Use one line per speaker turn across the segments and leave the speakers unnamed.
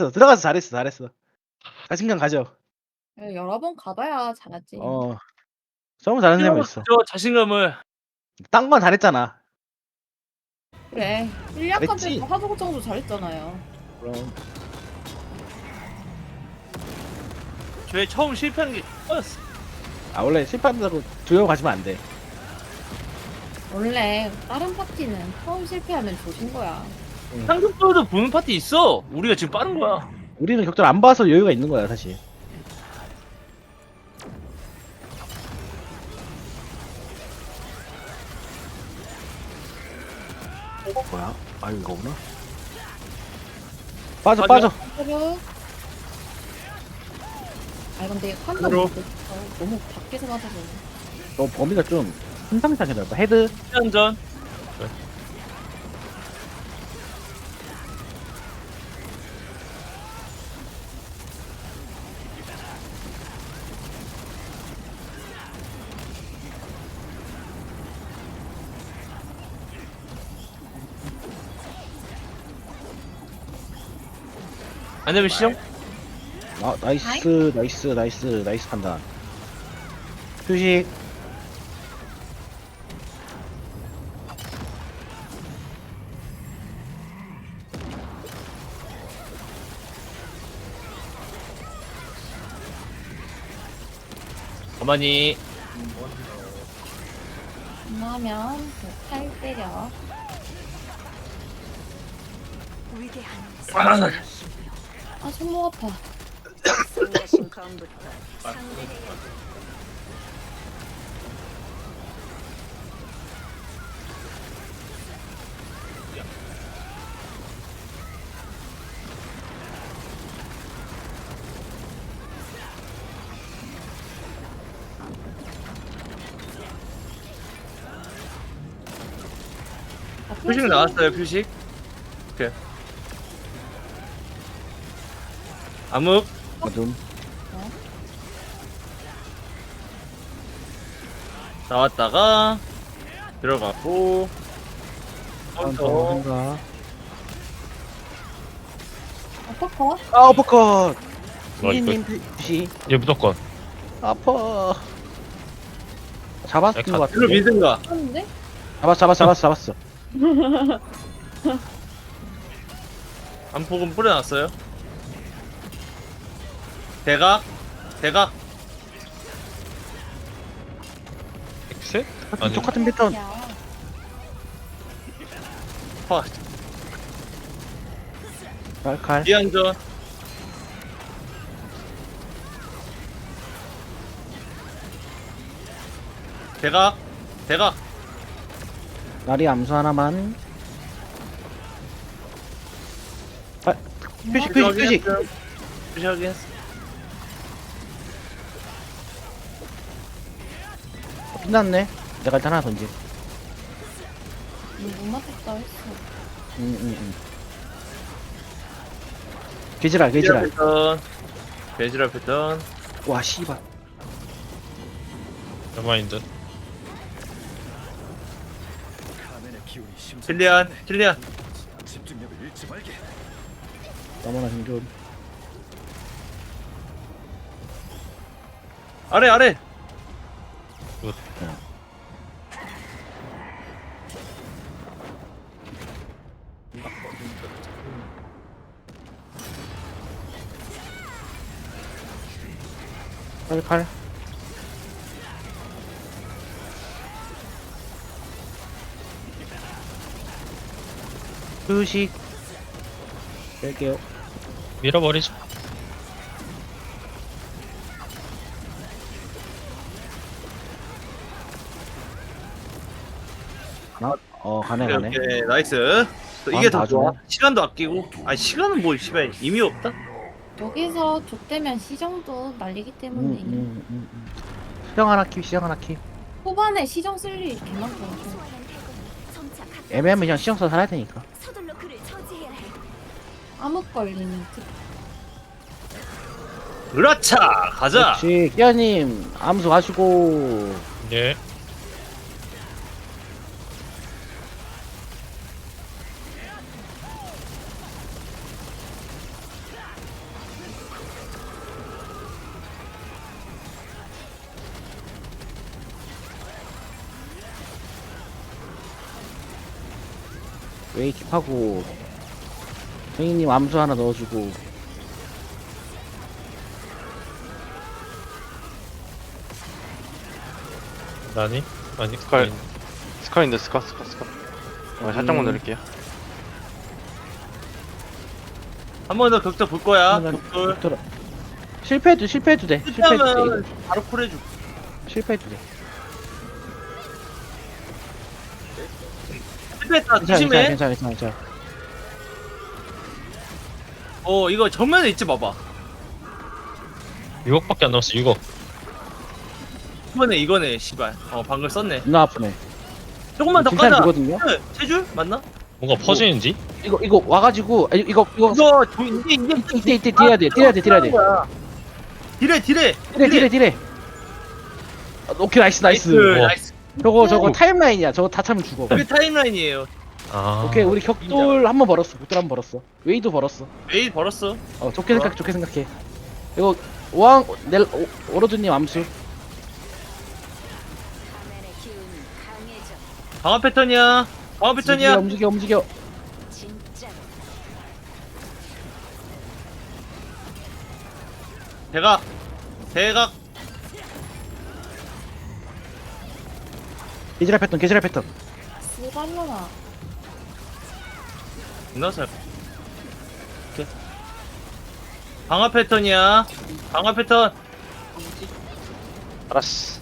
들어가서 잘했어. 자신감 가져.
예 여러 번 가봐야 잘하지.
어. 너무 잘하는 사람이
필요로
있어.
가져 자신감을.
딴 건 잘했잖아.
그래. 1약 때
잘했지?
하도 걱정도 잘했잖아요.
그럼.
쟤 처음 실패하는 게 X였어.
아 원래 실패한다고 두려워 가시면 안 돼.
원래 다른 파티는 처음 실패하면 조진 거야.
상급도도 보는 파티 있어. 우리가 지금 빠른 거야.
우리는 격돌 안 봐서 여유가 있는 거야 사실. 뭐야? 아 이거구나. 빠져.
그리고 아 근데 한번
그리고.
너무 밖에서 맞아서
너 범위가 좀 심상찮게 넓어. 헤드.
한전. 안 되면 시정?
아 나이스 판단. 휴식.
가만히.
끝나면 팔 때려. 아 손목 아파.
승자신 검부터 상대해야
아,
표식 나왔어요, 표식. 오케이. 암흑.
어둠.
나왔다가 들어갔고
카운터 생각.
어퍼컷?
아 어퍼컷.
와,
님 휴식.
얘 무조건.
아파. 잡았을 것
일로
같은데.
믿은가.
하는데?
잡았어.
안폭은 뿌려놨어요. 대각.
엑셋? 아니,
똑같은 패턴.
야.
파.
칼.
이안전. 대각.
나리 암수 하나만. 아, 표식.
표식하게 했어.
빛났네. 내가 일단 하나 던지.
못 맞췄다 했어.
개지랄.
배지랄 패턴.
와 씨발.
여마인드.
킬리안.
너무나 생존.
아래.
굿.
칼. 휴식. 뺄게요.
밀어버리죠.
가네.
오케이. 나이스. 또 이게 더
나중에.
좋아. 시간도 아끼고. 아니 시간은 뭐 씨발 의미 없다.
여기서 족되면 시정도 날리기 때문에
시정 하나 킵.
초반에 시정 쓸 일이 개 많거든.
애매하면 그냥 시정 써서 살아야 되니까.
서둘러 그를 처지해야 해.
암흑 걸리는 특.
그렇차. 가자.
그렇지. 끼아님 암수 가시고.
예.
웨이 킵하고 정희님 암수 하나 넣어주고.
나니? 아니
스컬. 스컬인데 스컬. 살짝만 내릴게요.
한 번 더 격자 볼 거야.
한번
격돌.
격돌. 실패해도 돼. 실패해도 돼.
실패하면 바로 콜해줘.
실패해도 돼.
실패했다.
괜찮아,
조심해.
괜찮아.
이거 정면에 있지 봐봐.
6억밖에 안 남았어 6억.
이거네 씨발. 방금 썼네.
누나 아프네.
조금만 더
진짜
까자.
되거든요.
세 줄? 맞나?
뭔가 퍼지는지?
이거 와가지고 이거
이거 이게
이때 딜해야 돼. 딜해야 돼. 딜해. 오케이 나이스.
우와.
나이스.
저거 타임라인이야. 저거 다 차면 죽어.
그게 타임라인이에요.
아
오케이 우리 격돌 한 번 벌었어. 격돌 한 번 벌었어. 웨이도 벌었어.
메일 벌었어.
좋게 생각해. 이거 오로드님 암수.
가면의 기운이 강해져.
강화 패턴이야. 강화 패턴이야.
움직여.
진짜로.
대각.
개지랄 패턴.
스발로나.
나서. 오케이. 강화 패턴이야. 강화 패턴.
알았어.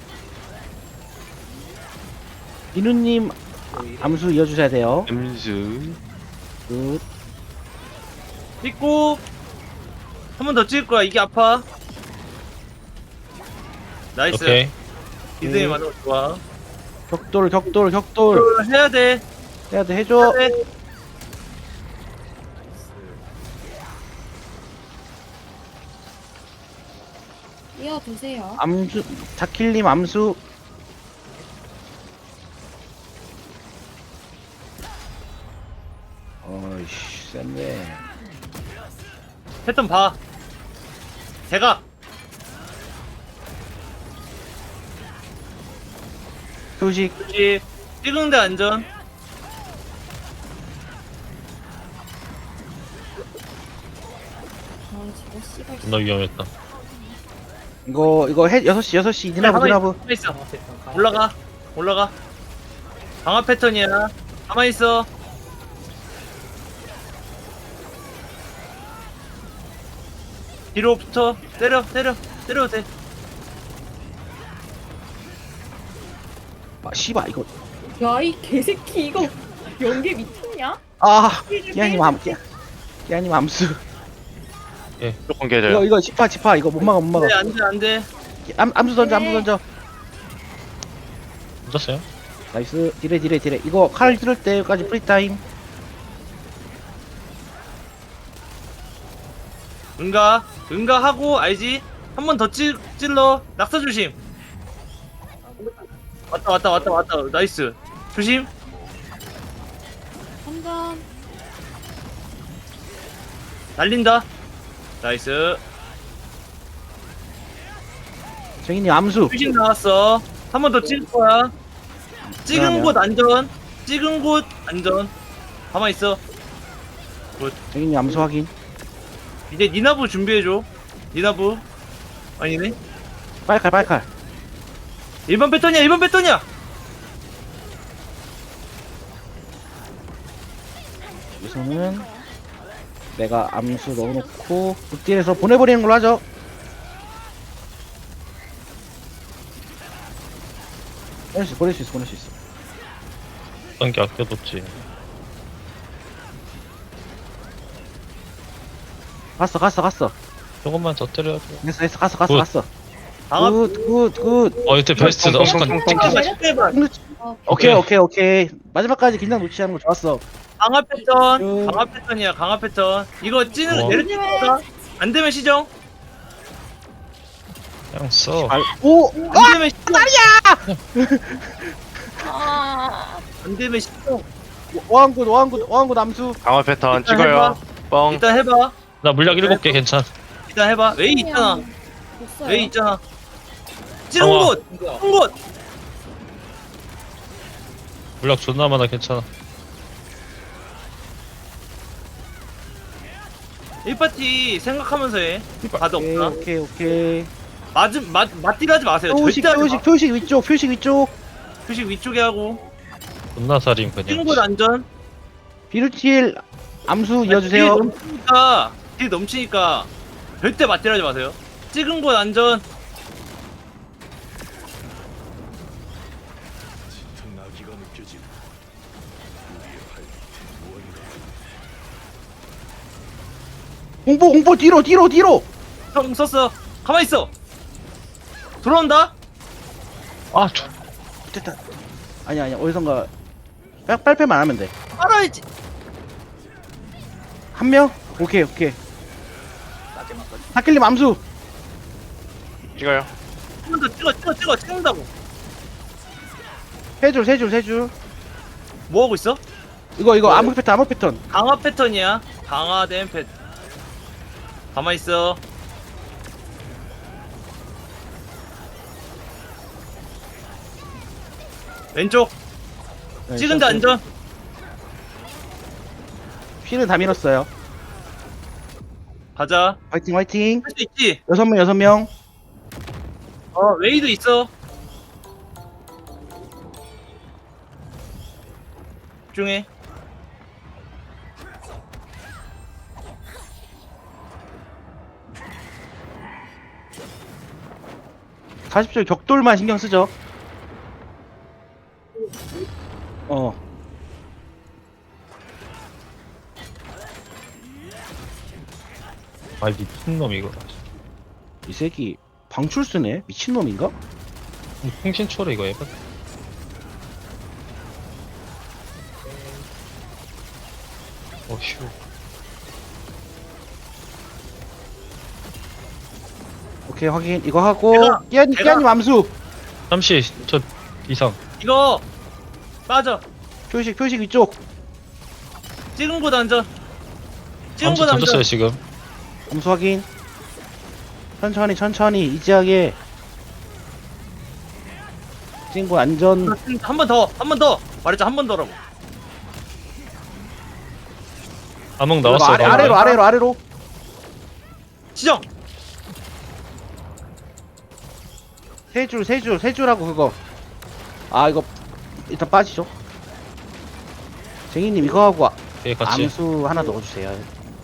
민우님 암수 이어주셔야 돼요.
음수.
굿.
찍고 한 번 더 찍을 거야. 이게 아파. 나이스.
오케이.
이등이 맞아. 좋아.
격돌.
해야 돼.
해야 돼. 해줘.
해야 돼.
이어두세요.
암수 자킬님 암수. 어이씨 센데.
패턴 봐. 대각.
소식.
그렇지. 찍은데 안전.
저거 씨발.
존나 위험했다.
이거 해 6시 니나브.
가만히 있어. 올라가. 강화 패턴이야. 가만히 있어. 뒤로 붙어. 때려도 돼.
씨발 이거.
야이 개새끼 이거 연계 미쳤냐?
기아님 암수.
조금 깨져요.
이거 지파 이거 못 막아.
안 돼.
암수 던져.
묻었어요?
나이스. 딜해. 이거 칼 들을 때까지 프리타임.
응가하고 알지? 한 번 더 찔러. 낙서 조심. 왔다. 나이스. 조심.
한잔.
날린다. 나이스.
정인님 암수.
조심 나왔어. 한 번 더 찍을 거야. 찍은 곳 안전. 가만히 있어.
정인님 암수 확인.
이제 니나부 준비해줘. 니나부. 아니네.
빨칼.
1번 패턴이야.
우선은 내가 암수 넣어놓고 굿딜에서 보내버리는 걸로 하죠. 보낼 수 있어.
어떤 게 아껴뒀지.
갔어.
조금만 더 때려줘.
됐어.
굿.
갔어.
강화
굿.
이때 베스트다.
오케이. 마지막까지 긴장 놓치지 않은 거 좋았어.
강화 패턴이야. 강화 패턴. 이거 찌는
와.
내려치니까 안 되면 시정.
그냥 써.
안 되면 시정.
아.
안 되면 시정.
오한굿 암수.
강화 패턴
일단
찍어요.
해봐.
뻥.
일단 해봐.
나 물약 7개 괜찮.
일단 해봐. 웨이 있잖아.
됐어요.
웨이 있잖아. 찌른
강화.
곳.
물약 존나 많아 괜찮아.
1파티 생각하면서 해. 다들
오케이
없나?
오케이.
맞딜 하지 마세요.
표식
절대 하지 마.
표식 위쪽 표식 위쪽.
표식 위쪽에 하고.
존나 살인 그냥.
찍은 곳 안전.
비루틸 암수 이어주세요.
딜 넘치니까 절대 맞딜 하지 마세요. 찍은 곳 안전.
공포 뒤로.
형 썼어. 가만히 있어. 돌아온다.
아,
됐다. 아니야 어디선가 빨패만 하면 돼.
알아야지.
한 명? 오케이. 하킬님 암수.
찍어요.
한 번 더 찍어 찍는다고.
세 줄.
뭐 하고 있어?
이거 암흑 패턴.
강화 패턴이야. 강화된 패턴. 가만히 있어. 왼쪽.
네,
찍은 데 안전.
피는 다 밀었어요.
가자.
화이팅.
할 수 있지.
6명.
웨이도 있어. 집중해.
40줄 격돌만 신경 쓰죠.
아 미친놈 이거.
이 새끼 방출 쓰네. 미친놈인가?
통신초래 이거 해봐. 어휴.
오케이 확인. 이거 하고
내가-
끼아님 암수.
잠시 저 이상.
이거 빠져.
표식 위쪽.
찍은 곳 안전. 찍은
암수
곳 안전.
던졌어요 지금.
암수 확인. 천천히 이지하게. 친구 안전.
한 번 더. 말했자 한 번 더라고.
암흑 나왔어.
이거 아래로.
지정.
세 줄하고 그거. 아 이거 일단 빠지죠. 쟁이님 이거 하고
예 같이.
암수 하나 넣어주세요.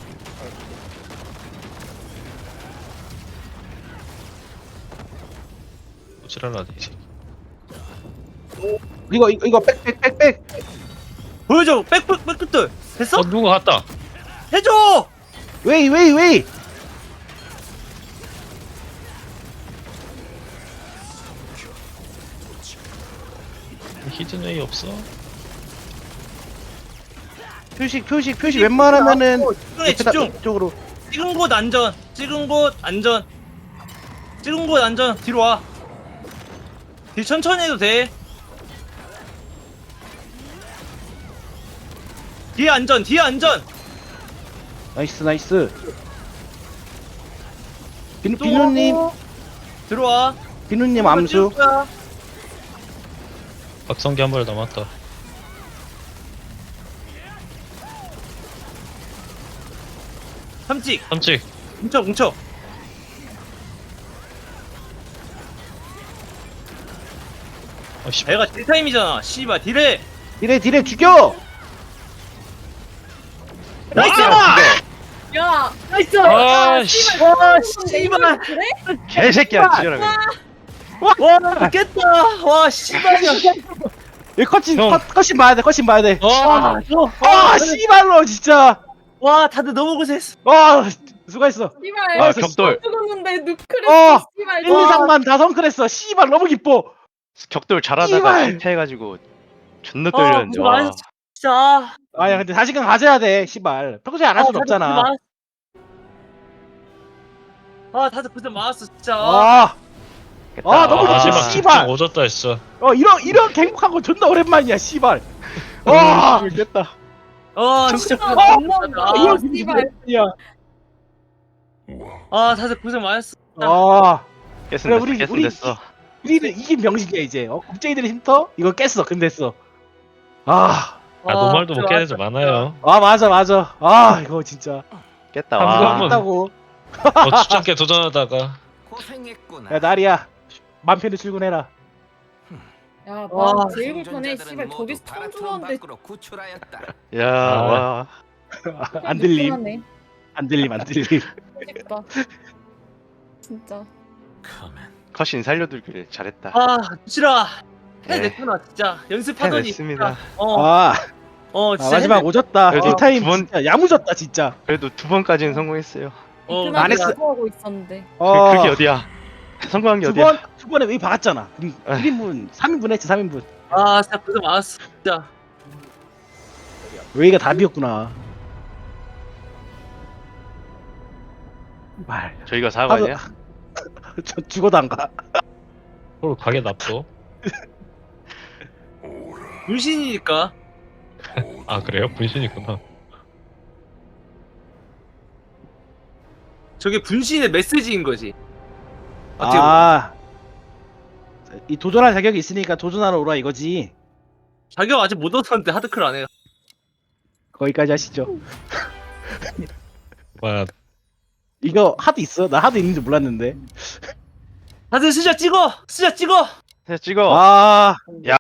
지랄하네 이제.
이거 백.
보여줘. 백끝들. 됐어?
누가 갔다.
해줘.
웨이.
히든웨이 없어.
표식 웬만하면은
집중.
이쪽으로.
찍은 곳 안전. 뒤로 와. 뒤 천천히 해도 돼. 뒤에 안전.
나이스.
또
비누님
들어와.
암수.
찍을 거야.
박성기 한 발 남았다.
삼찍. 뭉쳐.
아씨.
배가 딜타임이잖아. 씨발 딜해.
딜에 죽여.
나이스.
야, 나이스.
아 씨.
와 씨발.
그래?
개새끼야 지랄하게.
와 깼다. 와 씨발이야.
이 컷신
형.
컷신 봐야 돼.
아.
씨발로 진짜.
와 다들 너무 고생했어.
수고했어.
씨발.
아 격돌.
죽었는데 누크레스.
어.
씨발.
1, 2, 3만 다 성클했어. 씨발 너무 기뻐.
격돌 잘하다가
씨발.
실패해가지고 존나 떨렸는데.
고생
와.
많았어. 진짜.
아야 근데 자신감 가져야 돼. 씨발 평소에 안 할 수는 없잖아.
다들 고생 많았어 진짜.
너무
아,
좋지,
씨발.
씨발.
오졌다 했어.
이런 행복한 거 존나 오랜만이야. 씨발. 됐다.
진짜 고생
너무한다.
많았어.
씨발.
다들 고생 많았어.
깼으면
그래,
됐어.
우리-
깼으면 됐어.
우리는 이긴 명식이야 이제. 국제인들의 쉼터 이거 깼어. 근데했어.
노말도 못
고생
깨는 애 많아요.
맞아. 이거 진짜.
깼다.
한
와.
번.
한다고.
추적게 도전하다가
고생했구나.
야 나리야. 맘 편히 출근해라.
야,
와,
나 제일 불편해. 씨발 저기서 총 들어왔는데
구출하였다.
야,
아.
와.
안 들림.
불편하네.
안 들림 안 들림.
멋있다. 진짜.
커맨.
컷신 살려두길 잘했다.
아 도치라
네.
해냈구나 진짜 연습하더니
해냈습니다.
진짜.
아,
진짜
마지막 오졌다.
그래도
딜타임
두 번-
진짜 야무졌다 진짜.
그래도 2번까지는 성공했어요.
어,
안 했어.
하고 있었는데.
그게 어디야? 성공한 게 어디야?
두 번에 왜 박았잖아. 1인분, 3인분 했지 3인분.
아 진짜 고생 많았어 진짜.
웨이가 답이었구나. 말.
저희가 4관이야?
저 죽어도 안 가.
홀 가게 납도.
분신이니까
아 그래요? 분신이구나.
저게 분신의 메시지인 거지. 어떻게 보면.
아, 이 도전할 자격이 있으니까 도전하러 오라 이거지.
자격 아직 못 얻었는데 하드클 안 해.
거기까지 하시죠.
와
이거 하드 있어? 나 하드 있는지 몰랐는데.
다들 스샷 찍어.
찍어.
아,